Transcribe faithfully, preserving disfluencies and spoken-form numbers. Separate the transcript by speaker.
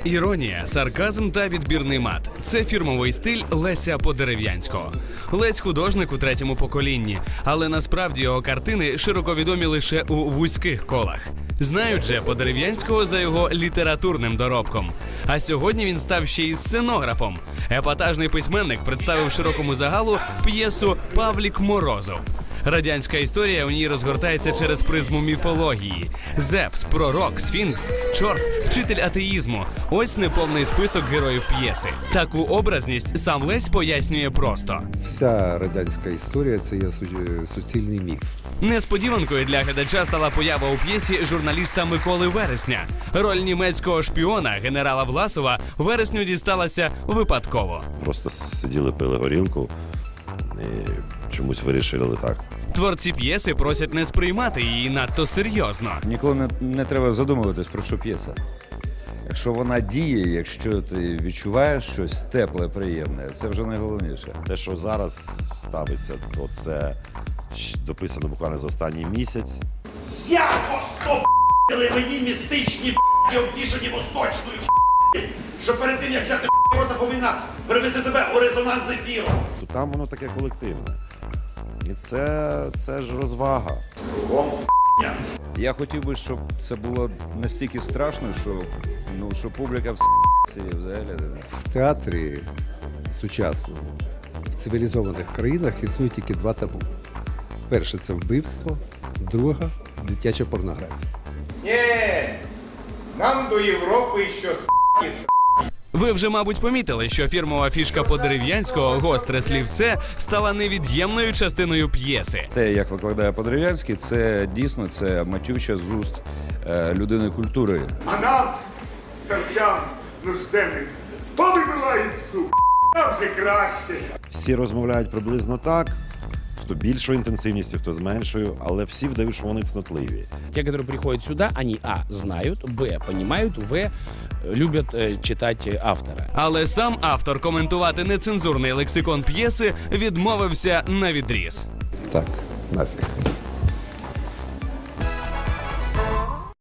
Speaker 1: Іронія, сарказм та відбірний мат – це фірмовий стиль Леся Подерев'янського. Лесь – художник у третьому поколінні, але насправді його картини широко відомі лише у вузьких колах. Знають же Подерев'янського за його літературним доробком. А сьогодні він став ще й сценографом. Епатажний письменник представив широкому загалу п'єсу «Павлік Морозов». Радянська історія у ній розгортається через призму міфології. Зевс, пророк, сфінкс, чорт, вчитель атеїзму – ось неповний список героїв п'єси. Таку образність сам Лесь пояснює просто.
Speaker 2: Вся радянська історія – це є су- суцільний міф.
Speaker 1: Несподіванкою для глядача стала поява у п'єсі журналіста Миколи Вересня. Роль німецького шпіона генерала Власова Вересню дісталася випадково.
Speaker 3: Просто сиділи, пили горілку і чомусь вирішили так.
Speaker 1: Творці п'єси просять не сприймати її надто серйозно.
Speaker 4: Ніколи не, не треба задумуватись, про що п'єса. Якщо вона діє, якщо ти відчуваєш щось тепле, приємне, це вже найголовніше.
Speaker 3: Те, що зараз ставиться, то це щ- дописано буквально за останній місяць.
Speaker 5: Я постопили мені містичні б***ь, обвішані восточною б***ь, що перед тим, як взяти б***ь, рота повинна привести себе у резонанс з ефіром.
Speaker 3: То там воно таке колективне. І це, це ж розвага.
Speaker 5: Кругом б***ня.
Speaker 4: Я хотів би, щоб це було настільки страшно, що, ну, що публіка в взагалі.
Speaker 2: В театрі сучасному, в цивілізованих країнах існує тільки два табу. Перше – це вбивство, друге – дитяча порнографія.
Speaker 6: Ні, нам до Європи що с***.
Speaker 1: Ви вже, мабуть, помітили, що фірмова фішка Подерев'янського «Гостре слівце» стала невід'ємною частиною п'єси.
Speaker 4: Те, як викладає Подерев'янський, це дійсно це матюча з уст е, людини культури.
Speaker 6: А нам, старцям нужденним, повибивають суп. Нам вже краще.
Speaker 3: Всі розмовляють приблизно так, хто більшою інтенсивністю, хто з меншою, але всі вдають, що вони цнотливі.
Speaker 7: Те, которые приходят сюда, они а. знают, б. понимают, в. любят э, читать э, автора.
Speaker 1: Але сам автор коментувати нецензурний лексикон п'єси відмовився навідріз.
Speaker 2: Так, нафіг.